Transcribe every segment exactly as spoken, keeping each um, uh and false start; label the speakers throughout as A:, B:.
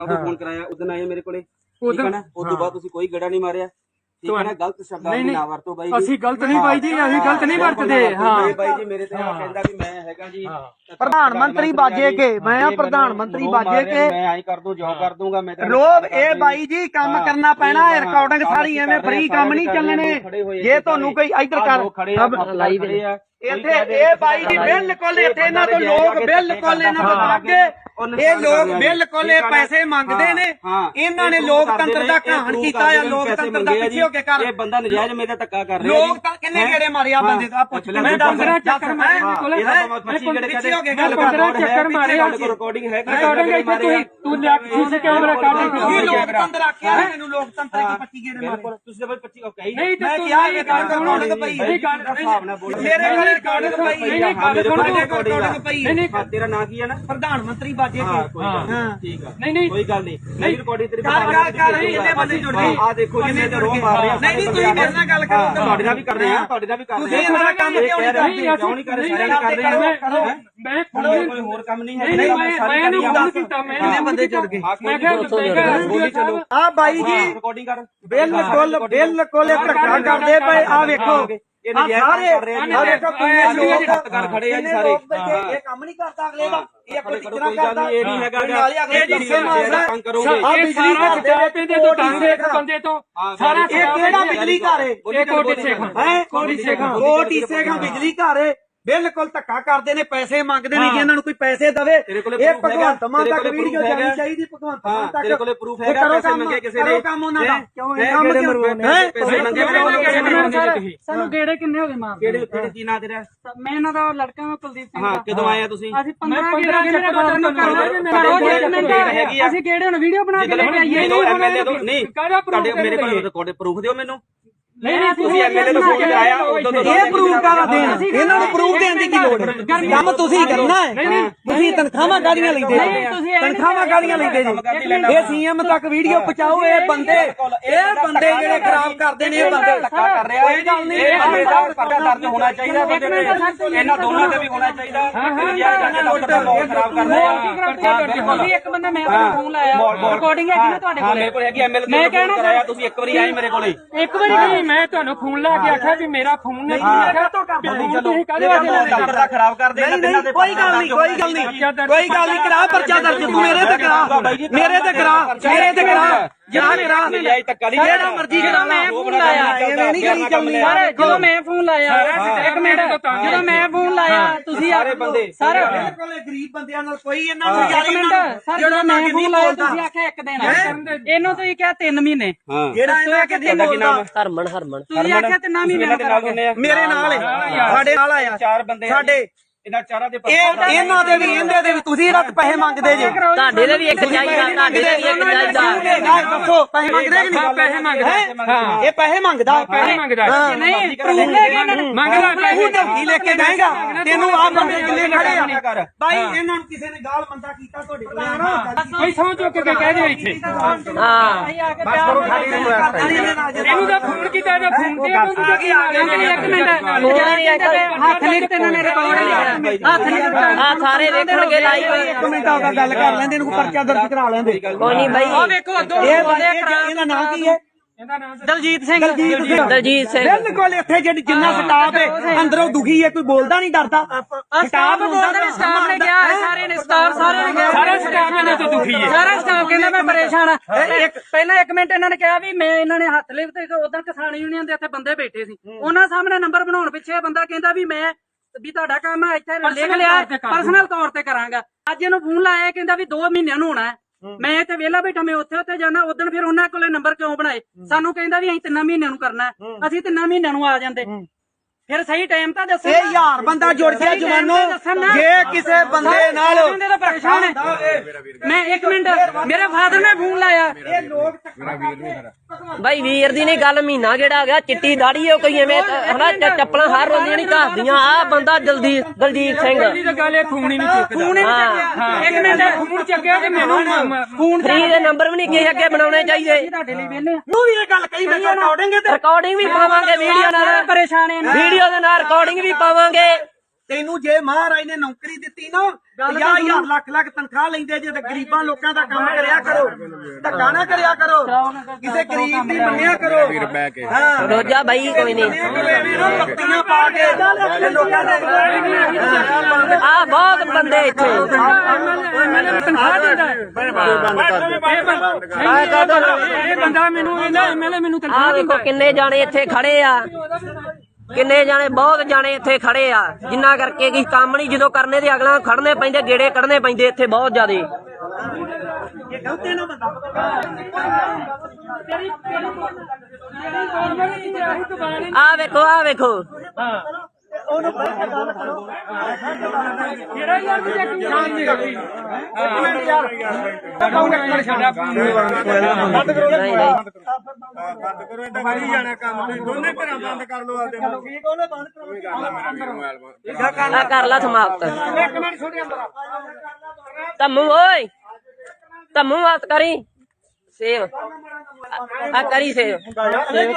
A: Phone कराया उस दिन आए मेरे को, ठीक है ना। उस तो बाद तुसीं कोई गड़ा नहीं मारिया, ठीक है ना। गलत शब्दां दी ना वरतो बाई जी,
B: ਅਸੀਂ ਗਲਤ ਨਹੀਂ ਬਾਈ ਜੀ, ਅਸੀਂ ਗਲਤ ਨਹੀਂ ਵਰਤਦੇ। ਹਾਂ
A: ਬਾਈ ਜੀ ਮੇਰੇ ਤੇ ਆ ਕਹਿੰਦਾ ਵੀ ਮੈਂ ਹੈਗਾ ਜੀ
C: ਪ੍ਰਧਾਨ ਮੰਤਰੀ ਬਾਜੇ ਕੇ, ਮੈਂ ਪ੍ਰਧਾਨ ਮੰਤਰੀ ਬਾਜੇ ਕੇ,
A: ਮੈਂ ਆਈ ਕਰ ਦੂੰ ਜੋ ਕਰ ਦੂੰਗਾ ਮੈਂ।
C: ਰੋਬ ਇਹ ਬਾਈ ਜੀ ਕੰਮ ਕਰਨਾ ਪੈਣਾ, ਰਿਕਾਰਡਿੰਗ ਸਾਰੀ ਐਵੇਂ ਫ੍ਰੀ ਕੰਮ ਨਹੀਂ ਚੱਲਣੇ। ਜੇ ਤੁਹਾਨੂੰ ਕੋਈ ਇੱਧਰ ਕਰ
A: ਲਾਈਵ
C: ਇੱਥੇ ਇਹ ਬਾਈ ਜੀ ਬਿਲਕੁਲ ਇੱਥੇ ਇਹਨਾਂ ਤੋਂ ਲੋਕ ਬਿਲਕੁਲ ਇਹਨਾਂ ਤੋਂ ਅੱਗੇ, ਇਹ ਲੋਕ ਬਿਲਕੁਲ ਇਹ ਪੈਸੇ ਮੰਗਦੇ ਨੇ। ਇਹਨਾਂ ਨੇ ਲੋਕਤੰਤਰ ਦਾ ਘਾਣ ਕੀਤਾ ਆ, ਲੋਕਤੰਤਰ ਦਾ ਪਿੱਛੇ ਹੋ ਕੇ ਕਰ।
A: ਇਹ ਬੰਦਾ ਨਜਾਇਜ਼ ਮੇਰੇ ਧੱਕਾ ਕਰ ਰਿਹਾ
C: ਲੋਕ ਤਾਂ ਕਿੰਨੇ ਗੇੜੇ ਮਾਰਿਆ ਬੰਦੇ ਦਾ, ਪੁੱਛ ਲੈ। ਮੈਂ
B: ਪੰਦਰਾਂ ਚੱਕਰ ਮਾਰੇ
C: ਪਿੱਛੇ ਹੋ ਕੇ ਗੱਲ
B: ਪੰਦਰਾਂ ਚੱਕਰ ਮਾਰੇ।
A: ਰਿਕਾਰਡਿੰਗ ਹੈ,
B: ਰਿਕਾਰਡਿੰਗ ਇੱਥੇ ਤੁਸੀਂ ਤੂੰ ਲਿਆ ਸੀਸੀ ਕੈਮਰਾ ਕੱਢ
C: ਇਹ ਲੋਕਤੰਤਰ ਆਖਿਆ ਮੈਨੂੰ, ਲੋਕਤੰਤਰ ਦੀ ਪੱਚੀ ਗੇੜੇ ਮਾਰੇ
A: ਤੁਸੀਂ ਤਾਂ ਪੱਚੀ ਕਹੀ
B: ਨਹੀਂ
C: ਮੈਂ ਕਿਹਾ ਇਹ ਰਿਕਾਰਡਿੰਗ ਪਈ
B: ਇਹ ਗੱਲ
A: ਹਿਸਾਬ ਨਾਲ ਬੋਲ।
C: ਮੇਰੇ ਕੋਲ ਰਿਕਾਰਡਿੰਗ ਪਈ
B: ਨਹੀਂ ਨਹੀਂ ਗੱਲ ਸੁਣ
C: ਰਿਕਾਰਡਿੰਗ ਪਈ।
B: ਨਹੀਂ ਨਹੀਂ
A: ਤੇਰਾ ਨਾਂ ਕੀ ਹੈ ਨਾ?
C: ਪ੍ਰਧਾਨ ਮੰਤਰੀ ਬਾਜੇ ਕੇ।
A: ਹਾਂ ਠੀਕ ਆ,
B: ਨਹੀਂ ਨਹੀਂ
A: ਕੋਈ ਗੱਲ ਨਹੀਂ। ਨਹੀਂ ਰਿਕਾਰਡਿੰਗ ਤੇਰੀ
C: ਕਰ ਕਰ ਕਰ ਇਹਨੇ ਬੰਦੇ ਜੁੜ ਗਏ।
A: ਆ ਦੇਖੋ ਜੀ ਮੇਰੇ ਰੋਹ ਮਾਰ ਰਿਹਾ।
C: ਨਹੀਂ ਨਹੀਂ ਤੁਸੀਂ ਮੇਰੇ ਨਾਲ ਗੱਲ ਕਰੋ,
A: ਤੁਹਾਡੇ ਨਾਲ ਵੀ ਕਰ ਰਹੇ ਆ, ਤੁਹਾਡੇ ਨਾਲ ਵੀ ਕਰ ਰਹੇ ਆ।
C: ਤੁਸੀਂ ਇਹਨਾਂ ਕੰਮ ਕਿਉਂ ਨਹੀਂ ਕਰਦੇ?
A: ਕਿਉਂ ਨਹੀਂ ਕਰ ਰਹੇ? ਸਾਰੇ ਕਰ ਰਹੇ ਆ।
B: ਮੈਂ
A: ਕੋਈ ਹੋਰ ਕੰਮ ਨਹੀਂ ਹੈ।
B: ਨਹੀਂ ਨਹੀਂ ਮੈਂ ਮੈਂ ਇਹਨੂੰ ਫੋਨ ਕੀਤਾ, ਮੈਂ
C: ਇਹਨੇ ਬੰਦੇ ਜੁੜ ਗਏ।
B: ਮੈਂ ਕਿਹਾ
A: ਬੋਲੀ ਚਲੋ
C: ਆ ਬਾਈ ਜੀ
A: ਰਿਕਾਰਡਿੰਗ ਕਰ।
C: ਬਿਲਕੁਲ ਬਿਲਕੁਲ ਇਹ ਧੱਕਾ ਕਰਦੇ ਪਏ। ਆ ਵੇਖੋ
A: ਇਹ ਨਜਾਇਜ਼ ਕਰ ਰਹੇ ਆ।
C: ਆ ਵੇਖੋ ਕਿੰਨੇ ਲੋਕ
A: ਕਰ ਖੜੇ ਆ ਜੀ ਸਾਰੇ।
C: ਇਹ ਕੰਮ ਨਹੀਂ ਕਰਦਾ ਅਗਲੇ ਦਾ, ਇਹ ਕੋਈ
A: ਕੋਈ
C: ਕਿਤਨਾ
A: ਗੱਲ
C: ਕਰਦਾ।
A: ਨਹੀਂ, ਇਹ ਨਹੀਂ ਹੈਗਾ
C: ਨਾਲੇ ਅਗਲੇ ਜਿੱਥੇ ਮਾਰਦਾ
A: ਤੰਗ ਕਰੋਗੇ।
C: ਆ
B: ਇਹ
C: ਬਿਜਲੀ
B: ਸਾਰਾ
C: ਘਰ
B: ਸਟਾਫ ਇਹਦੇ ਤੋਂ ਤੰਗ ਇੱਕ ਬੰਦੇ ਤੋਂ ਸਾਰਾ
C: ਇਹ ਕਿਹੜਾ ਬਿਜਲੀ ਘਰ ਹੈ?
B: ਇਹ ਕੋਟੀ ਸੇਖਾਂ
C: ਹੈ
B: ਕੋਟੀ ਸੇਖਾਂ
C: ਕੋਟੀ ਸੇਖਾਂ ਬਿਜਲੀ ਘਰ ਹੈ। ਬਿਲਕੁਲ ਧੱਕਾ ਕਰਦੇ ਨੇ, ਪੈਸੇ ਮੰਗਦੇ ਨੇ ਕਿ ਇਹਨਾਂ ਨੂੰ ਕੋਈ ਪੈਸੇ ਦਵੇ। ਇਹ ਭਗਵੰਤ ਮਾਨ ਤੱਕ ਵੀਡੀਓ ਜਾਣੀ ਚਾਹੀਦੀ, ਭਗਵੰਤ ਮਾਨ ਤੱਕ।
A: ਤੇਰੇ ਕੋਲੇ ਪ੍ਰੂਫ ਹੈਗਾ ਪੈਸੇ ਮੰਗੇ ਕਿਸੇ ਨੇ?
C: ਕੰਮ ਉਹਨਾਂ ਦਾ ਕਿਉਂ ਇਹ ਕੰਮ ਕਿਉਂ ਹੈ?
A: ਪੈਸੇ ਮੰਗੇ
D: ਸਾਨੂੰ ਗੇੜੇ ਕਿੰਨੇ ਹੋ ਗਏ ਮਾਰ?
A: ਕਿਹੜੇ ਕਿਹੜੇ ਕੀ ਨਾਂ ਤੇਰਾ?
D: ਮੈਂ ਇਹਨਾਂ ਦਾ ਲੜਕਾ ਹਾਂ ਕੁਲਦੀਪ ਸਿੰਘ
A: ਹਾਂ
D: ਦਾ।
A: ਕਦੋਂ ਆਏ ਆ ਤੁਸੀਂ?
D: ਅਸੀਂ ਪੰਦਰਾਂ ਗੇੜੇ ਕਰੋ, ਅਸੀਂ ਗੇੜੇ ਹੁਣ ਵੀਡੀਓ ਬਣਾ ਕੇ ਲੈ ਕੇ ਆਈਏ।
A: ਨਹੀਂ ਤੁਹਾਡੇ ਮੇਰੇ ਕੋਲ ਰਿਕਾਰਡ ਪ੍ਰੂਫ ਦਿਓ ਮੈਨੂੰ।
D: ਨਹੀਂ ਨਹੀਂ
A: ਤੁਸੀਂ ਐਮਐਲਏ ਤੋਂ ਫੋਨ ਕਰਾਇਆ ਉਦੋਂ ਤੋਂ
C: ਇਹ ਪ੍ਰੂਫ ਕਾਹਦਾ ਦੇਣ? ਇਹਨਾਂ ਨੂੰ ਪ੍ਰੂਫ ਦੇਣ ਦੀ ਕੀ ਲੋੜ ਹੈ? ਕੰਮ ਤੁਸੀਂ ਕਰਨਾ ਹੈ। ਤੁਸੀਂ ਤਨਖਾਹਾਂ ਕਾਹਦੀਆਂ ਲੈਂਦੇ ਜੀ? ਤਨਖਾਹਾਂ ਕਾਹਦੀਆਂ ਲੈਂਦੇ ਜੀ? ਇਹ ਸੀਐਮ ਤੱਕ ਵੀਡੀਓ ਪਹੁੰਚਾਓ। ਇਹ ਬੰਦੇ ਇਹ ਬੰਦੇ ਜਿਹੜੇ ਖਰਾਬ ਕਰਦੇ ਨੇ, ਇਹ ਬੰਦੇ
A: ਧੱਕਾ ਕਰ ਰਿਹਾ। ਇਹ ਗੱਲ ਨਹੀਂ, ਇਹ ਬੰਦੇ ਦਾ ਪਰਚਾ ਦਰਜ ਹੋਣਾ ਚਾਹੀਦਾ ਬੰਦੇ ਤੇ। ਇਹਨਾਂ ਦੋਨਾਂ ਤੇ ਵੀ ਹੋਣਾ ਚਾਹੀਦਾ। ਯਾਰ ਕਹਿੰਦੇ ਡਾਕਟਰ ਦਾ ਮਾਹੌਲ ਖਰਾਬ ਕਰ ਰਿਹਾ।
D: ਤੁਸੀਂ ਇੱਕ ਬੰਦਾ ਮੈਂ ਤੁਹਾਨੂੰ ਫੋਨ ਲਾਇਆ, ਰਿਕਾਰਡਿੰਗ ਹੈਗੀ ਨਾ ਤੁਹਾਡੇ
A: ਹਾਂ
D: ਕੋਲ?
A: ਮੇਰੇ ਕੋਲ ਹੈਗੀ ਐਮਐਲਏ ਮੈਂ ਕਹਿਣਾ ਕਰਾਇਆ ਤੁਸੀਂ ਇੱਕ ਵਾਰੀ ਆਏ ਮੇਰੇ ਕੋਲੇ।
B: ਇੱਕ ਵਾਰੀ ਨਹੀਂ, ਮੈਂ ਤੁਹਾਨੂੰ ਫੋਨ ਲਾ ਕੇ ਆਖਿਆ ਵੀ ਮੇਰਾ ਫੋਨ ਨਹੀਂ ਆਖਿਆ ਤਾਂ ਤੁਸੀਂ ਕਾਹਦੇ ਵਾਸਤੇ
A: ਡਾਕਟਰ ਦਾ ਖਰਾਬ ਕਰਦੇ
C: ਨਹੀਂ ਨਹੀਂ ਕੋਈ ਗੱਲ ਨਹੀਂ, ਕੋਈ ਗੱਲ ਨਹੀਂ, ਕੋਈ ਗੱਲ ਨਹੀਂ। ਕਰਾ ਪਰਚਾ ਦਰਜ, ਤੂੰ ਮੇਰੇ ਤੇ ਕਰਾ, ਮੇਰੇ ਤੇ ਕਰਾ, ਮੇਰੇ ਤੇ ਕਰਾ, ਜਾਂ ਕਰਾ, ਜਿਹੜਾ ਮਰਜ਼ੀ ਕਰਾ।
D: ਮੈਂ ਫੋਨ ਲਾਇਆ,
C: ਐਵੇਂ ਨਹੀਂ ਕਰੀ ਚੱਲਣੀ।
D: ਜਦੋਂ ਮੈਂ ਫੋਨ ਲਾਇਆ, ਇੱਕ ਮਿੰਟ, ਜਦੋਂ ਮੈਂ ਫੋਨ ਲਾਇਆ ਤੁਸੀਂ
A: ਸਾਰੇ ਬੰਦੇ
D: ਸਰ
C: ਬਿਲਕੁਲ ਗਰੀਬ ਬੰਦਿਆਂ ਨਾਲ ਕੋਈ ਇਹਨਾਂ ਨੂੰ
D: ਇੱਕ ਮਿੰਟ ਸਰ, ਜਦੋਂ ਮੈਂ ਫੋਨ ਲਾਇਆ ਤੁਸੀਂ ਆਖਿਆ ਇੱਕ ਦਿਨ, ਇਹਨੂੰ ਤੁਸੀਂ ਕਿਹਾ ਤਿੰਨ ਮਹੀਨੇ।
C: ਜਿਹੜਾ ਇਹਨਾਂ ਕੇ ਦਿਨ ਬੋਲਦਾ
D: ਹਰਮਨ ਹਰਮਨ ਤੁਸੀਂ ਆਖਿਆ ਤਿੰਨ ਮਹੀਨੇ
C: ਮੇਰੇ ਨਾਲ ਸਾਡੇ ਨਾਲ ਆਇਆ
A: ਚਾਰ ਬੰਦੇ
C: ਸਾਡੇ।
A: ਇਹਨਾਂ ਚਾਰਾਂ ਦੇ
C: ਇਹ ਇਹਨਾਂ ਦੇ ਵੀ ਇਹਦੇ ਦੇ ਵੀ ਤੁਸੀਂ ਰੱਖ ਪੈਸੇ ਮੰਗਦੇ ਜੇ।
D: ਤੁਹਾਡੇ ਲਈ ਵੀ ਇੱਕ ਚਾਹੀਦਾ, ਤੁਹਾਡੇ ਲਈ ਵੀ ਇੱਕ ਚਾਹੀਦਾ।
C: ਦੱਸੋ ਪੈਸੇ ਮੰਗਦੇ ਕਿ ਨਹੀਂ?
B: ਪੈਸੇ ਮੰਗਦਾ।
C: ਹਾਂ ਇਹ ਪੈਸੇ ਮੰਗਦਾ,
B: ਪੈਸੇ ਮੰਗਦਾ।
D: ਨਹੀਂ ਪ੍ਰੂਫ ਲੈ ਕੇ ਇਹਨਾਂ ਨੂੰ
B: ਮੰਗਦਾ
C: ਤੂੰ ਧਮਕੀ ਲੈ ਕੇ ਜਾਏਗਾ। ਤੈਨੂੰ ਆ ਬੰਦੇ ਕਿੰਨੇ ਖੜੇ ਆ ਬਾਈ? ਇਹਨਾਂ ਨੂੰ ਕਿਸੇ ਨੇ ਗਾਲ ਮੰਦਾ ਕੀਤਾ ਤੁਹਾਡੇ ਕੋਲ?
B: ਕੋਈ ਸੌਂ ਚੁੱਕ ਕੇ ਕਹਿ ਦੇ ਇੱਥੇ।
D: ਹਾਂ
B: ਇਹਨੂੰ ਤਾਂ ਫੋਨ ਕੀਤਾ, ਇਹਦਾ ਫੋਨ ਤੇ ਇਹਨੂੰ ਤਾਂ ਕੀ ਆ ਗਿਆ?
D: ਇੱਕ ਮਿੰਟ, ਹੱਥ ਲਿਖ ਤੇ ਇਹਨਾਂ ਨੇ ਰਿਕਾਰਡ ਲਿਖਿਆ, ਹੱਥ ਲਿਖ ਆ ਸਾਰੇ ਵੇਖਣਗੇ ਲਾਈਵ।
C: ਇੱਕ ਮਿੰਟ ਆ ਗੱਲ ਕਰ ਲੈਂਦੇ, ਇਹਨੂੰ ਪਰਚਾ ਦਰਜ ਕਰਾ ਲੈਂਦੇ।
D: ਕੋਈ ਨਹੀਂ ਬਾਈ, ਆ ਵੇਖੋ
C: ਇਹ ਬੰਦੇ ਇਹਦਾ ਨਾਮ ਕੀ ਹੈ?
D: ਦਲਜੀਤ ਸਿੰਘ।
C: ਦਲਜੀਤ ਸਿੰਘ।
D: ਦਲਜੀਤ ਸਿੰਘ
C: ਬਿਲਕੁਲ ਇੱਥੇ ਜਿਹੜੀ ਜਿੰਨਾ ਸਟਾਫ ਹੈ ਅੰਦਰੋਂ ਦੁਖੀ ਹੈ, ਕੋਈ ਬੋਲਦਾ ਨਹੀਂ, ਡਰਦਾ।
D: ਸਟਾਫ ਬੋਲਦਾ ਨਹੀਂ, ਸਟਾਫ ਨੇ ਕਿਹਾ ਸਾਰੇ ਨੇ, ਸਟਾਫ ਸਾਰੇ ਨੇ ਕਿਹਾ,
B: ਸਾਰਾ ਸਟਾਫ ਇਹਨਾਂ ਤੋਂ ਦੁਖੀ ਹੈ।
D: ਸਾਰਾ ਸਟਾਫ ਕਹਿੰਦਾ ਮੈਂ ਪਰੇਸ਼ਾਨ ਆ। ਇੱਕ ਪਹਿਲਾਂ ਇੱਕ ਮਿੰਟ ਇਹਨਾਂ ਨੇ ਕਿਹਾ ਵੀ ਮੈਂ, ਇਹਨਾਂ ਨੇ ਹੱਥ ਲਿਖ ਤੇ ਉਦਾਂ ਕਿਸਾਨ ਯੂਨੀਅਨ ਦੇ ਇੱਥੇ ਬੰਦੇ ਬੈਠੇ ਸੀ, ਉਹਨਾਂ ਸਾਹਮਣੇ ਨੰਬਰ ਬਣਾਉਣ ਪਿੱਛੇ ਬੰਦਾ ਕਹਿੰਦਾ ਵੀ ਮੈਂ ਵੀ ਤੁਹਾਡਾ ਕੰਮ ਹੈ ਇੱਥੇ ਲਿਖ ਲਿਆ, ਪਰਸਨਲ ਤੌਰ ਤੇ ਕਰਾਂਗਾ। ਅੱਜ ਇਹਨੂੰ ਫੋਨ ਲਾਇਆ, ਕਹਿੰਦਾ ਵੀ ਦੋ ਮਹੀਨਿਆਂ ਨੂੰ ਹੋਣਾ। ਮੈਂ ਇੱਥੇ ਵਿਹਲਾ ਬੈਠਾ, ਮੈਂ ਉੱਥੇ ਉੱਥੇ ਜਾਣਾ। ਉਦੋਂ ਫਿਰ ਉਹਨਾਂ ਕੋਲੇ ਨੰਬਰ ਕਿਉਂ ਬਣਾਏ? ਸਾਨੂੰ ਕਹਿੰਦਾ ਵੀ ਅਸੀਂ ਤਿੰਨਾਂ ਮਹੀਨਿਆਂ ਨੂੰ ਕਰਨਾ, ਅਸੀਂ ਤਿੰਨਾਂ ਮਹੀਨਿਆਂ ਨੂੰ ਆ ਜਾਂਦੇ। ਫਿਰ ਸਹੀ ਟਾਈਮ ਤਾਂ ਦੱਸੋ।
C: ਇਹ ਯਾਰ ਬੰਦਾ ਜੁੜ ਗਿਆ ਜਵਾਨੋ। ਜੇ ਕਿਸੇ ਬੰਦੇ ਨਾਲ
D: ਪਰੇਸ਼ਾਨ ਹੈ, ਮੈਂ ਇੱਕ ਮਿੰਟ, ਮੇਰੇ ਫਾਦਰ ਨੇ ਫੋਨ ਲਾਇਆ।
C: ਇਹ ਲੋਕ
D: ਬਾਈ ਵੀਰ ਦੀ ਨਹੀਂ ਗੱਲ, ਮਹੀਨਾ ਜਿਹੜਾ ਆ ਗਿਆ, ਚਿੱਟੀ ਦਾੜੀ ਹੈ ਕੋਈ ਐਵੇਂ ਹਨਾ, ਚੱਪਲਾਂ ਹਰ ਰੋਂਦੀਆਂ ਨਹੀਂ ਘਸਦੀਆਂ। ਆ ਬੰਦਾ ਜਲਦੀ ਦਲਜੀਤ ਸਿੰਘ
B: ਪਹਿਲੀ ਤਾਂ ਗੱਲ ਇਹ ਫੋਨ ਹੀ ਨਹੀਂ ਚੁੱਕਦਾ।
D: ਫੋਨ ਹੀ ਨਹੀਂ ਚੱਕਿਆ। ਇੱਕ ਮਿੰਟ,
B: ਫੋਨ ਚੱਕਿਆ ਤੇ ਮੈਨੂੰ
D: ਫੋਨ ਫ੍ਰੀ ਦੇ ਨੰਬਰ ਵੀ ਨਹੀਂ ਕਿਸੇ ਅੱਗੇ ਬਣਾਉਣੇ ਚਾਹੀਦੇ। ਤੁਹਾਡੇ ਲਈ ਵੇਲੇ
C: ਨੂੰ ਵੀ ਇਹ ਗੱਲ ਕਹੀ, ਮੈਂ ਰਿਕਾਰਡਿੰਗ ਤੇ
D: ਰਿਕਾਰਡਿੰਗ ਵੀ ਪਾਵਾਂਗੇ ਵੀਡੀਓ ਨਾਲ, ਪਰੇਸ਼ਾਨ ਹੈ ਵੀਡੀਓ ਦੇ ਨਾਲ ਰਿਕਾਰਡਿੰਗ ਵੀ ਪਾਵਾਂਗੇ
C: ਤੈਨੂੰ ਜੇ ਮਹਾਰਾਜ ਨੇ ਨੌਕਰੀ ਦਿੱਤੀ ਨਾ ਪੰਜਾਹ ਹਜ਼ਾਰ ਲੱਖ ਲੱਖ ਤਨਖਾਹ ਲੈਂਦੇ ਜੇ ਤੇ ਗਰੀਬਾਂ ਲੋਕਾਂ ਦਾ ਕੰਮ ਕਰਿਆ ਕਰੋ, ਧੱਕਾ ਨਾ ਕਰਿਆ ਕਰੋ, ਕਿਸੇ ਗਰੀਬ ਦੀ ਮੰਨਿਆ ਕਰੋ। ਹਾਂ
E: ਰੋਜਾ ਬਾਈ ਕੋਈ ਨਹੀਂ
C: ਪੱਤੀਆਂ ਪਾ ਕੇ ਤੇ ਲੋਕਾਂ ਦੇ
E: ਆ ਬਹੁਤ ਬੰਦੇ ਇੱਥੇ
B: ਤਨਖਾਹ ਦਿੰਦਾ ਇਹ ਬੰਦਾ ਮੈਨੂੰ ਇਹਦਾ ਐਮਐਲਏ ਮੈਨੂੰ
E: ਆ
B: ਤਨਖਾਹ
E: ਦੇਖੋ ਕਿੰਨੇ ਜਾਣੇ ਇੱਥੇ ਖੜੇ ਆ, ਕਿੰਨੇ ਜਾਣੇ ਬਹੁਤ ਜਾਣੇ ਇੱਥੇ ਖੜੇ ਆ, ਜਿੰਨਾ ਕਰਕੇ ਕੀ ਕੰਮ ਨਹੀਂ ਜਦੋਂ ਕਰਨੇ ਦੇ ਅਗਲਾ ਖੜਨੇ ਪੈਂਦੇ, ਗੇੜੇ ਕੱਢਨੇ ਪੈਂਦੇ ਇੱਥੇ ਬਹੁਤ ਜ਼ਿਆਦੇ। ਆ ਵੇਖੋ ਆ ਵੇਖੋ
B: ਜਿਹੜਾ ਯਾਰ ਵੀ ਚੈਕਿੰਗ ਸ਼ਾਮ ਦੀ ਰੱਖੀ ਇੱਕ ਮਿੰਟ ਯਾਰ ਕਹੂੰਗਾ ਛੱਡਾ ਬੰਦ ਕਰੋ
E: ਨਹੀਂ ਨਹੀਂ
F: ਬੰਦ ਕਰੋ ਇਹ ਦਵਾਈ ਜਾਣਾ ਕੰਮ ਤੇ ਦੋਨੇ ਘਰਾਂ ਬੰਦ ਕਰ ਲਓ ਆਪਦੇ ਨੂੰ ਠੀਕ ਉਹਨੇ ਬੰਦ ਕਰੋ
E: ਆ ਕਰ ਲਾ ਸਮਾਪਤ।
B: ਇੱਕ ਮਿੰਟ ਛੋਟੇ ਅੰਦਰ
E: ਤੰਮੂ ਓਏ ਤੰਮੂ ਵਾਸ ਕਰੀ ਸੇਵ ਆ ਕਰੀ ਸੇਵ ਸੇਵ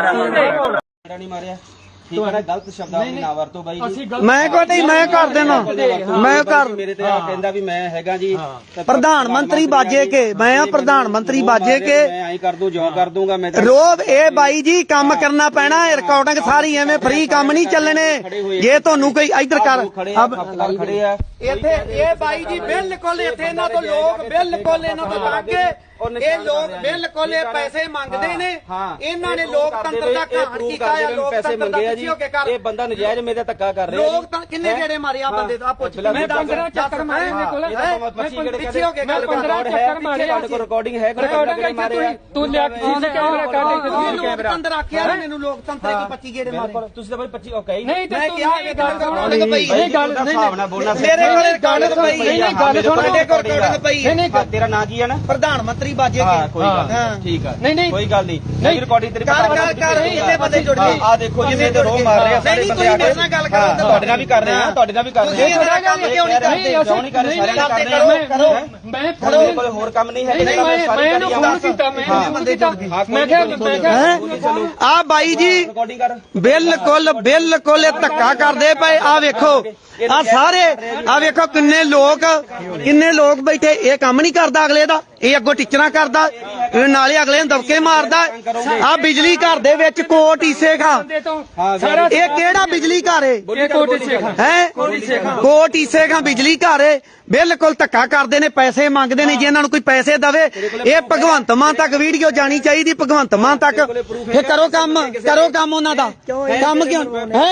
E: ਕਰ
A: ਨਹੀਂ ਮਾਰਿਆ ਠੀਕ ਹੈ ਨਾ, ਗਲਤ ਸ਼ਬਦਾਂ ਦੀ ਨਾ ਵਰਤੋ ਬਾਈ ਜੀ।
C: ਮੈਂ ਕੋਈ ਨਹੀਂ, ਮੈਂ ਕਰ ਦੇਣਾ, ਮੈਂ ਕਰ
A: ਮੇਰੇ ਤੇ ਆ ਕਹਿੰਦਾ ਵੀ ਮੈਂ ਹੈਗਾ ਜੀ
C: ਪ੍ਰਧਾਨ ਮੰਤਰੀ ਬਾਜੇ ਕੇ, ਮੈਂ ਆ ਪ੍ਰਧਾਨ ਮੰਤਰੀ ਬਾਜੇ ਕੇ
A: ਮੈਂ ਐਂ ਕਰ ਦੂੰ ਜਿਉਂ ਕਰ ਦੂੰਗਾ ਮੈਂ
C: ਰੋਬ ਇਹ ਬਾਈ ਜੀ ਕੰਮ ਕਰਨਾ ਪੈਣਾ, ਰਿਕਾਰਡਿੰਗ ਸਾਰੀ ਐਵੇਂ ਫ੍ਰੀ ਕੰਮ ਨਹੀਂ ਚੱਲਣੇ। ਜੇ ਤੁਹਾਨੂੰ ਕੋਈ ਇੱਧਰ ਕਰ
A: ਖਪਤਕਾਰ ਖੜੇ ਆ
C: ਇੱਥੇ ਇਹ ਬਾਈ ਜੀ ਬਿਲਕੁਲ ਇੱਥੇ ਇਹਨਾਂ ਤੋਂ ਲੋਕ ਬਿਲਕੁਲ ਇਹਨਾਂ ਤੋਂ ਲੱਗੇ, ਇਹ ਲੋਕ ਬਿਲਕੁਲ ਇਹ ਪੈਸੇ ਮੰਗਦੇ ਨੇ, ਇਹਨਾਂ ਨੇ ਲੋਕਤੰਤਰ ਦਾ ਘਾਣ ਕੀਤਾ ਆ,
A: ਪੈਸੇ ਮੰਗੇ ਆ ਜੀ। ਇਹ ਬੰਦਾ ਨਜਾਇਜ਼ ਮੇਰੇ ਤੇ ਧੱਕਾ ਕਰ ਰਿਹਾ।
C: ਲੋਕ ਤਾਂ ਕਿੰਨੇ ਗੇੜੇ ਮਾਰੇ ਆ ਬੰਦੇ ਦਾ ਪੁੱਛ
B: ਮੈਂ ਪੰਦਰਾਂ ਚੱਕਰ ਮਾਰੇ ਇਹਦੇ ਕੋਲ
C: ਪਿੱਛੇ ਹੋ ਕੇ ਗੱਲ
B: ਪੰਦਰਾਂ ਚੱਕਰ ਮਾਰੇ
A: ਤੁਹਾਡੇ ਕੋਲ ਰਿਕਾਰਡਿੰਗ ਹੈ ਕੋਈ ਮਾਰੇ
B: ਤੂੰ ਲਿਆ ਕਿਸੇ ਕੈਮਰਾ ਕੱਢ ਕੇ
C: ਲੋਕਤੰਤਰ ਆਖਿਆ ਮੈਨੂੰ ਲੋਕਤੰਤਰ ਇੱਕ ਪੱਚੀ ਗੇੜੇ ਮਾਰੇ।
A: ਤੁਸੀਂ ਤਾਂ ਬਾਈ ਪੱਚੀ ਓਕੇ
B: ਨਹੀਂ
C: ਮੈਂ ਕਿਹਾ ਇਹ ਗੱਲ
B: ਰਿਕਾਰਡਿੰਗ ਪਈ ਇਹ ਗੱਲ ਨਹੀਂ
A: ਭਾਵਨਾ ਬੋਲਣਾ
C: ਮੇਰੇ ਕੋਲ ਰਿਕਾਰਡਿੰਗ ਪਈ
B: ਨਹੀਂ ਨਹੀਂ ਗੱਲ ਸੁਣ
C: ਤੁਹਾਡੇ ਕੋਲ ਰਿਕਾਰਡਿੰਗ ਪਈ
B: ਨਹੀਂ ਨਹੀਂ
A: ਤੇਰਾ ਨਾਂ ਕੀ ਹੈ ਨਾ?
C: ਪ੍ਰਧਾਨ ਮੰਤਰੀ ਬਾਜੇ
A: ਹਾਂ ਕੋਈ
C: ਕੇ
A: ਗੱਲ ਨਹੀਂ, ਠੀਕ ਆ
B: ਨਹੀਂ ਨਹੀਂ
A: ਕੋਈ ਗੱਲ ਨਹੀਂ। ਨਹੀਂ ਰਿਕਾਰਡਿੰਗ ਤੇਰੀ
C: ਕਰ ਕਰ ਕਰ ਕਿੰਨੇ ਬੰਦੇ ਜੁੜ ਗਏ
A: ਆ ਦੇਖੋ ਜਿੰਨੇ ਤੇ ਰੋਹ ਮਾਰ ਰਹੇ ਆ ਸਾਰੇ
C: ਨਹੀਂ
A: ਬੰਦੇ
C: ਤੁਸੀਂ
A: ਆ ਕੇ
C: ਮੇਰੇ ਨਾਲ ਗੱਲ ਕਰੋ
A: ਤੁਹਾਡੇ ਨਾਲ ਵੀ ਕਰ ਰਹੇ ਆ, ਤੁਹਾਡੇ ਨਾਲ ਵੀ ਕਰ ਰਹੇ
C: ਤੁਸੀਂ ਮੇਰਾ ਕੰਮ ਕਿਉਂ ਨਹੀਂ ਕਰਦੇ?
A: ਕਿਉਂ ਨਹੀਂ ਕਰ ਰਹੇ? ਸਾਰੇ ਨਾਲ ਕਰਦੇ
C: ਕਰੋ ਕਰੋ
B: ਮੈਂ
A: ਤੁਹਾਡੇ ਕੋਲ ਹੋਰ ਕੰਮ ਨਹੀਂ ਹੈ?
B: ਨਹੀਂ ਮੈਂ ਮੈਂ ਇਹਨੂੰ ਫੋਨ ਕੀਤਾ ਮੈਂ ਇਹਨੂੰ ਕੀਤਾ ਮੈਂ ਕਿਹਾ ਮੈਂ ਕਿਹਾ
C: ਆ ਬਾਈ ਜੀ
A: ਰਿਕਾਰਡਿੰਗ ਕਰ
C: ਬਿਲਕੁਲ ਬਿਲਕੁਲ ਇਹ ਧੱਕਾ ਕਰਦੇ ਪਏ। ਆ ਵੇਖੋ ਆ ਸਾਰੇ ਆ ਵੇਖੋ ਕਿੰਨੇ ਲੋਕ ਕਿੰਨੇ ਲੋਕ ਬੈਠੇ। ਇਹ ਕੰਮ ਨਹੀਂ ਕਰਦਾ ਅਗਲੇ ਦਾ, ਇਹ ਅੱਗੋਂ ਟੀਚਰਾਂ ਕਰਦਾ, ਇਹ ਨਾਲੇ ਅਗਲੇ ਨੂੰ ਦਬਕੇ ਮਾਰਦਾ। ਆ ਬਿਜਲੀ ਘਰ ਦੇ ਵਿੱਚ ਕੋਟ ਈਸੇ ਖਾਂ,
B: ਸਾਰਾ
C: ਇਹ ਕਿਹੜਾ ਬਿਜਲੀ ਘਰ ਏ?
B: ਇਹ ਕੋਟੀ ਸੇਖਾਂ
C: ਹੈ ਕੋਟ ਈਸੇ ਖਾਂ ਬਿਜਲੀ ਘਰ ਏ। ਬਿਲਕੁਲ ਧੱਕਾ ਕਰਦੇ ਨੇ, ਪੈਸੇ ਮੰਗਦੇ ਨੇ। ਜੇ ਇਹਨਾਂ ਨੂੰ ਕੋਈ ਪੈਸੇ ਦਵੇ, ਇਹ ਭਗਵੰਤ ਮਾਨ ਤੱਕ ਵੀਡੀਓ ਜਾਣੀ ਚਾਹੀਦੀ, ਭਗਵੰਤ ਮਾਨ ਤੱਕ। ਇਹ ਕਰੋ ਕੰਮ, ਕਰੋ ਕੰਮ ਉਹਨਾਂ ਦਾ ਕੰਮ ਕਿਉਂ ਹੈ?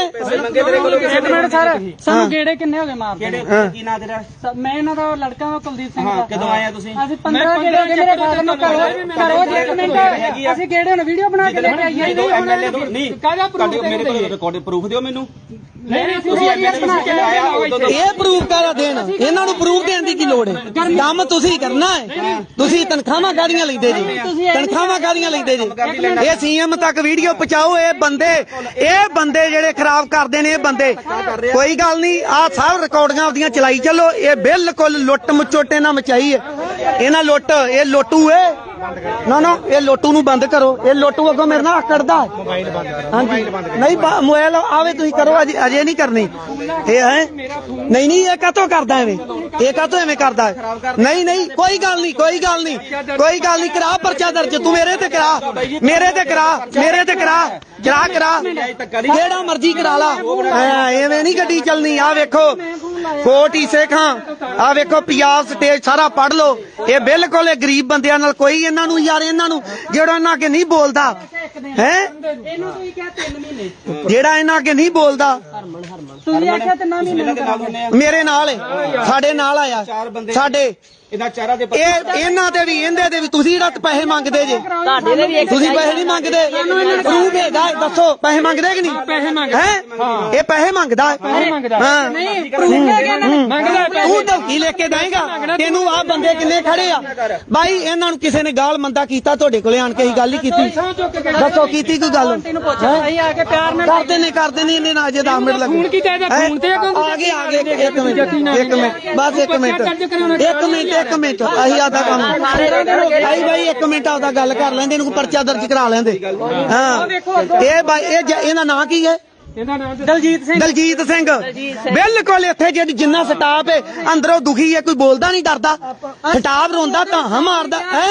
D: ਇੱਕ ਮਿੰਟ ਸਰ, ਸਾਨੂੰ ਗੇੜੇ ਕਿੰਨੇ ਹੋ ਗਏ ਮਾਰਦੇ?
A: ਕੀ ਨਾਂ ਤੇਰਾ?
D: ਮੈਂ ਇਹਨਾਂ ਦਾ ਲੜਕਾ ਹਾਂ ਕੁਲਦੀਪ ਸਿੰਘ ਦਾ।
A: ਕਦੋਂ ਆਏ ਆ ਤੁਸੀਂ?
D: ਅਸੀਂ ਪੰਦਰਾਂ ਗੇੜੇ ਹੋ ਗਏ ਮੇਰੇ ਫਾਦਰ ਨੂੰ। ਕਰੋ ਕਰੋ ਜੀ ਇੱਕ ਮਿੰਟ, ਅਸੀਂ ਗੇੜੇ ਹੁਣ ਵੀਡੀਓ ਬਣਾ ਕੇ ਲੈ ਕੇ ਆਈਏ।
A: ਦੋ ਐਮਐਲਏ ਦੋ ਨਹੀਂ
B: ਕਾਹਦਾ
A: ਤੁਹਾਡੇ ਮੇਰੇ ਕੋਲ ਰਿਕਾਰਡ ਪ੍ਰੂਫ ਦਿਓ ਮੈਨੂੰ।
B: ਨਹੀਂ ਨਹੀਂ ਤੁਸੀਂ ਬਣਾ ਕੇ ਲੈ ਆਏ।
C: ਇਹ ਪ੍ਰੂਫ ਕਰਾ ਦੇਣ, ਇਹਨਾਂ ਨੂੰ ਪ੍ਰੂਫ ਦੇਣ ਦੀ ਕੀ ਲੋੜ ਹੈ? ਕੰਮ ਤੁਸੀਂ ਕਰਨਾ ਹੈ। ਤੁਸੀਂ ਤਨਖਾਹਾਂ ਕਾਹਦੀਆਂ ਲੈਂਦੇ ਜੀ? ਤਨਖਾਹਾਂ ਕਾਹਦੀਆਂ ਲੈਂਦੇ ਜੀ? ਇਹ ਸੀਐਮ ਤੱਕ ਵੀਡੀਓ ਪਹੁੰਚਾਓ। ਇਹ ਬੰਦੇ ਇਹ ਬੰਦੇ ਜਿਹੜੇ ਖਰਾਬ ਕਰਦੇ ਨੇ, ਇਹ ਬੰਦੇ ਕੋਈ ਗੱਲ ਨਹੀਂ। ਆਹ ਸਭ ਰਿਕਾਰਡਿੰਗਾਂ ਆਪਦੀਆਂ ਚਲਾਈ ਚੱਲੋ। ਇਹ ਬਿਲਕੁਲ ਲੁੱਟ ਮਚੋਟੇ ਨਾਲ ਮਚਾਈ ਹੈ ਇਹਨਾਂ ਲੁੱਟ। ਇਹ ਲੋਟੂ ਏ ਨਾ ਨਾ ਇਹ ਲੋਟੂ ਨੂੰ ਬੰਦ ਕਰੋ। ਇਹ ਲੋਟੂ ਅੱਗੋਂ ਮੇਰੇ ਨਾਲ ਆਕੜਦਾ। ਹਾਂਜੀ ਨਹੀਂ ਮੋਬਾਈਲ ਆਵੇ ਤੁਸੀਂ ਕਰੋ, ਅਜੇ ਅਜੇ ਨਹੀਂ ਕਰਨੀ। ਇਹ ਹੈ ਨਹੀਂ ਨਹੀਂ ਇਹ ਕਾਹਤੋਂ ਕਰਦਾ ਐਵੇਂ? ਇਹ ਕਾਹਤੋਂ ਐਵੇਂ ਕਰਦਾ ਹੈ? ਨਹੀਂ ਨਹੀਂ ਕੋਈ ਗੱਲ ਨਹੀਂ, ਕੋਈ ਗੱਲ ਨਹੀਂ, ਕੋਈ ਗੱਲ ਨਹੀਂ। ਕਰਾ ਪਰਚਾ ਦਰਜ, ਤੂੰ ਮੇਰੇ ਤੇ ਕਰਾ, ਮੇਰੇ ਤੇ ਕਰਾ, ਮੇਰੇ ਤੇ ਕਰਾ, ਕਰਾ ਕਰਾ ਜਿਹੜਾ ਮਰਜ਼ੀ ਕਰਾ ਲਾ। ਐਵੇਂ ਨਹੀਂ ਗੱਡੀ ਚੱਲਣੀ। ਆ ਵੇਖੋ ਕੋਟ ਈਸੇ ਖਾਂ, ਆ ਵੇਖੋ ਪੰਜਾਬ ਸਟੇਜ ਸਾਰਾ ਪੜ ਲਓ। ਇਹ ਬਿਲਕੁਲ ਇਹ ਗਰੀਬ ਬੰਦਿਆਂ ਨਾਲ ਕੋਈ ਇਹਨਾਂ ਨੂੰ ਯਾਰ ਇਹਨਾਂ ਨੂੰ ਜਿਹੜਾ ਇਹਨਾਂ ਅੱਗੇ ਨਹੀਂ ਬੋਲਦਾ ਹੈ,
D: ਇਹਨੂੰ ਤੁਸੀਂ ਕਿਹਾ ਤਿੰਨ ਮਹੀਨੇ,
C: ਜਿਹੜਾ ਇਹਨਾਂ ਅੱਗੇ ਨਹੀਂ ਬੋਲਦਾ
D: ਤੁਸੀਂ ਆਖਿਆ ਤਿੰਨ ਮਹੀਨੇ
C: ਮੇਰੇ ਨਾਲ ਏ, ਸਾਡੇ ਨਾਲ ਆਇਆ ਸਾਡੇ।
A: ਇਹਦਾ ਚਾਰਾ ਦੇ
C: ਇਹ ਇਹਨਾਂ ਦੇ ਵੀ ਇਹਦੇ ਦੇ ਵੀ ਤੁਸੀਂ ਜਿਹੜਾ ਪੈਸੇ ਮੰਗਦੇ ਜੇ,
E: ਤੁਹਾਡੇ ਦੇ ਵੀ ਇੱਕ
C: ਤੁਸੀਂ ਪੈਸੇ ਨਹੀਂ ਮੰਗਦੇ। ਪ੍ਰੂਫ ਹੈਗਾ, ਦੱਸੋ ਪੈਸੇ ਮੰਗਦੇ ਕਿ ਨਹੀਂ?
B: ਪੈਸੇ ਮੰਗਦਾ
C: ਹੈ ਇਹ ਪੈਸੇ ਮੰਗਦਾ
B: ਮੰਗਦਾ
C: ਹਾਂ।
D: ਨਹੀਂ ਪ੍ਰੂਫ ਹੈਗਾ ਇਹਨਾਂ ਨੇ।
B: ਮੰਗਦਾ
C: ਤੂੰ ਧਮਕੀ ਲੈ ਕੇ ਦੇਂਗਾ? ਤੈਨੂੰ ਆਹ ਬੰਦੇ ਕਿੰਨੇ ਖੜੇ ਆ ਬਾਈ? ਇਹਨਾਂ ਨੂੰ ਕਿਸੇ ਨੇ ਗਾਲ ਮੰਦਾ ਕੀਤਾ ਤੁਹਾਡੇ ਕੋਲੇ ਆਣ ਕੇ? ਹੀ ਗੱਲ ਹੀ ਕੀਤੀ, ਦੱਸੋ ਕੀਤੀ ਕੋਈ ਗੱਲ?
D: ਤੈਨੂੰ ਪੁੱਛਿਆ ਅਸੀਂ ਆ ਕੇ ਪਿਆਰ ਨਾਲ
C: ਕਰਦੇ ਨੇ ਕਰਦੇ ਨੇ ਇਹਨੇ ਨਾ ਅਜੇ ਦਸ ਮਿੰਟ ਲੱਗੇ।
B: ਫੋਨ ਕੀਤਾ ਇਹਦਾ ਫੋਨ ਤੇ
C: ਆ ਗਏ ਆ ਗਏ ਇੱਕ ਮਿੰਟ ਇੱਕ ਮਿੰਟ ਬਸ ਇੱਕ ਮਿੰਟ ਇੱਕ ਮਿੰਟ ਇੱਕ ਮਿੰਟ ਅਸੀਂ ਆਦਾ ਕੰਮ ਆਈ ਬਾਈ ਇੱਕ ਮਿੰਟ ਆਪਦਾ ਗੱਲ ਕਰ ਲੈਂਦੇ, ਇਹਨੂੰ ਪਰਚਾ ਦਰਜ ਕਰਾ ਲੈਂਦੇ। ਹਾਂ ਇਹ ਬਾਈ ਇਹ ਇਹਦਾ ਨਾਂ ਕੀ ਹੈ?
B: ਇਹਦਾ ਨਾਮ
C: ਦਲਜੀਤ ਸਿੰਘ ਦਲਜੀਤ ਸਿੰਘ ਬਿਲਕੁਲ ਇੱਥੇ ਜਿਹੜੀ ਜਿੰਨਾ ਸਟਾਫ ਹੈ ਅੰਦਰੋਂ ਦੁਖੀ ਹੈ, ਕੋਈ ਬੋਲਦਾ ਨਹੀਂ ਡਰਦਾ, ਸਟਾਫ ਰੋਂਦਾ ਧਾਹਾਂ ਮਾਰਦਾ ਹੈ।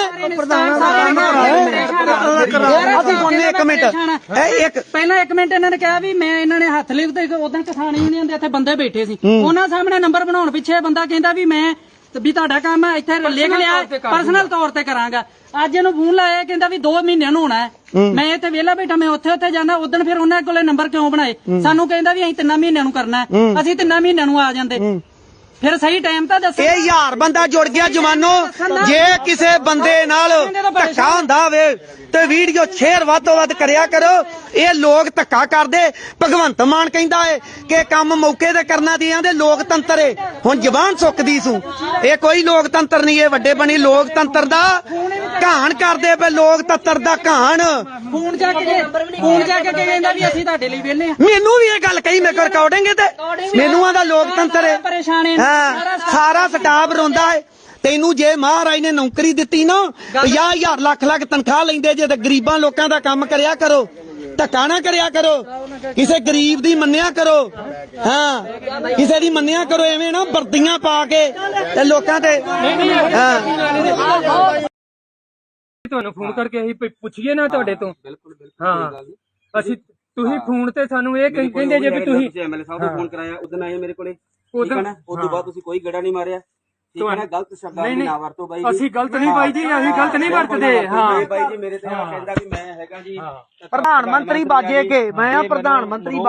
C: ਅਸੀਂ ਸੁਣਨੇ ਇੱਕ ਮਿੰਟ ਇਹ ਇੱਕ
D: ਪਹਿਲਾਂ ਇੱਕ ਮਿੰਟ ਇਹਨਾਂ ਨੇ ਕਿਹਾ ਵੀ ਮੈਂ ਇਹਨਾਂ ਨੇ ਹੱਥ ਲਿਖਤੇ ਉਦੋਂ ਕਿਸਾਨ ਯੂਨੀਅਨ ਦੇ ਇੱਥੇ ਬੰਦੇ ਬੈਠੇ ਸੀ, ਉਹਨਾਂ ਸਾਹਮਣੇ ਨੰਬਰ ਬਣਾਉਣ ਪਿੱਛੇ ਬੰਦਾ ਕਹਿੰਦਾ ਵੀ ਮੈਂ ਵੀ ਤੁਹਾਡਾ ਕੰਮ ਇੱਥੇ ਲਿਖ ਲਿਆ ਪਰਸਨਲ ਤੌਰ ਤੇ ਕਰਾਂਗਾ। ਅੱਜ ਇਹਨੂੰ ਫੋਨ ਲਾਇਆ ਕਹਿੰਦਾ ਵੀ ਦੋ ਮਹੀਨਿਆਂ ਨੂੰ ਹੋਣਾ ਹੈ, ਮੈਂ ਇੱਥੇ ਵਿਹਲਾ ਬੈਠਾ, ਮੈਂ ਉੱਥੇ ਉੱਥੇ ਜਾਣਾ। ਉਦੋਂ ਫਿਰ ਉਹਨਾਂ ਕੋਲੇ ਨੰਬਰ ਕਿਉਂ ਬਣਾਏ? ਸਾਨੂੰ ਕਹਿੰਦਾ ਵੀ ਅਸੀਂ ਤਿੰਨਾਂ ਮਹੀਨਿਆਂ ਨੂੰ ਕਰਨਾ, ਅਸੀਂ ਤਿੰਨਾਂ ਮਹੀਨਿਆਂ ਨੂੰ ਆ ਜਾਂਦੇ। ਫਿਰ ਸਹੀ ਟਾਈਮ ਤਾਂ ਦੱਸੋ।
C: ਇਹ ਯਾਰ ਬੰਦਾ ਜੁੜ ਗਿਆ ਜਵਾਨੋ, ਜੇ ਕਿਸੇ ਬੰਦੇ ਨਾਲ ਧੱਕਾ ਹੁੰਦਾ ਹੋਵੇ ਤੇ ਵੀਡੀਓ ਸ਼ੇਅਰ ਵੱਧ ਤੋਂ ਵੱਧ ਕਰਿਆ ਕਰੋ। ਇਹ ਲੋਕ ਧੱਕਾ ਕਰਦੇ, ਭਗਵੰਤ ਮਾਨ ਕਹਿੰਦਾ ਏ ਕਿ ਕੰਮ ਮੌਕੇ ਤੇ ਕਰਨਾ ਦੀ ਆਂਦੇ ਲੋਕਤੰਤਰ ਏ, ਹੁਣ ਜ਼ਬਾਨ ਸੁੱਕਦੀ ਸੂ। ਇਹ ਕੋਈ ਲੋਕਤੰਤਰ ਨਹੀਂ, ਇਹ ਵੱਡੇ ਬਣੀ ਲੋਕਤੰਤਰ ਦਾ ਘਾਣ ਕਰਦੇ ਪਏ, ਲੋਕਤੰਤਰ ਦਾ ਘਾਣ।
D: ਫੋਨ ਜਾ ਕੇ ਫੋਨ ਜਾ ਕੇ ਕਹਿੰਦਾ ਵੀ ਅਸੀਂ ਤੁਹਾਡੇ ਲਈ ਵਿਹਲੇ ਆ।
C: ਮੈਨੂੰ ਵੀ ਇਹ ਗੱਲ ਕਹੀ ਮੇਰੇ ਕੋਲ ਰਿਕਾਰਡਿੰਗ ਤੇ, ਮੈਨੂੰ ਆਂਦਾ ਲੋਕਤੰਤਰ ਏ।
D: ਪਰੇਸ਼ਾਨ ਏ
C: ਹਾਂ, ਸਾਰਾ ਸਟਾਫ ਰੋਂਦਾ ਏ। ਤੈਨੂੰ ਜੇ ਮਹਾਰਾਜ ਨੇ ਨੌਕਰੀ ਦਿੱਤੀ ਨਾ, ਪੰਜਾਹ ਹਜ਼ਾਰ ਲੱਖ ਲੱਖ ਤਨਖਾਹ ਲੈਂਦੇ ਜੇ, ਤੇ ਗਰੀਬਾਂ ਲੋਕਾਂ ਦਾ ਕੰਮ ਕਰਿਆ ਕਰੋ, ਧੱਕਾ ਨਾ ਕਰਿਆ ਕਰੋ, ਕਿਸੇ ਗਰੀਬ ਦੀ ਮੰਨਿਆ ਕਰੋ। ਹਾਂ, ਕਿਸੇ ਦੀ ਮੰਨਿਆ ਕਰੋ, ਐਵੇਂ ਨਾ ਵਰਦੀਆਂ ਪਾ ਕੇ ਤੇ ਲੋਕਾਂ ਤੇ। ਹਾਂ,
B: ਤੁਹਾਨੂੰ ਫੋਨ ਕਰਕੇ ਅਸੀਂ ਪੁੱਛੀਏ ਨਾ ਤੁਹਾਡੇ ਤੋਂ। ਬਿਲਕੁਲ ਬਿਲਕੁਲ ਹਾਂ, ਅਸੀਂ ਤੁਸੀਂ ਫੋਨ ਤੇ ਸਾਨੂੰ ਇਹ ਕਹਿੰਦੇ ਜੇ ਵੀ ਤੁਸੀਂ
A: ਐਮਐਲਏ ਸਾਹਿਬ ਨੂੰ ਫੋਨ ਕਰਾਇਆ, ਉਦੋਂ ਆਏ ਮੇਰੇ ਕੋਲੇ, ਠੀਕ ਹੈ ਨਾ। ਉਸ ਤੋਂ ਬਾਅਦ ਤੁਸੀਂ ਕੋਈ ਗੇੜਾ ਨਹੀਂ ਮਾਰਿਆ, ਠੀਕ ਹੈ ਨਾ। ਗਲਤ ਸ਼ਬਦਾਂ ਦੀ ਨਾ ਵਰਤੋ ਬਾਈ ਜੀ।
B: ਅਸੀਂ ਗਲਤ ਨਹੀਂ ਬਾਈ ਜੀ, ਅਸੀਂ ਗਲਤ ਨਹੀਂ ਵਰਤਦੇ। ਹਾਂ
A: ਬਾਈ ਜੀ ਮੇਰੇ ਤੇ ਕਹਿੰਦਾ ਵੀ ਮੈਂ ਹੈਗਾ ਜੀ
C: ਪ੍ਰਧਾਨ ਮੰਤਰੀ ਬਾਜੇ ਕੇ, ਮੈਂ ਆ ਪ੍ਰਧਾਨ ਮੰਤਰੀ।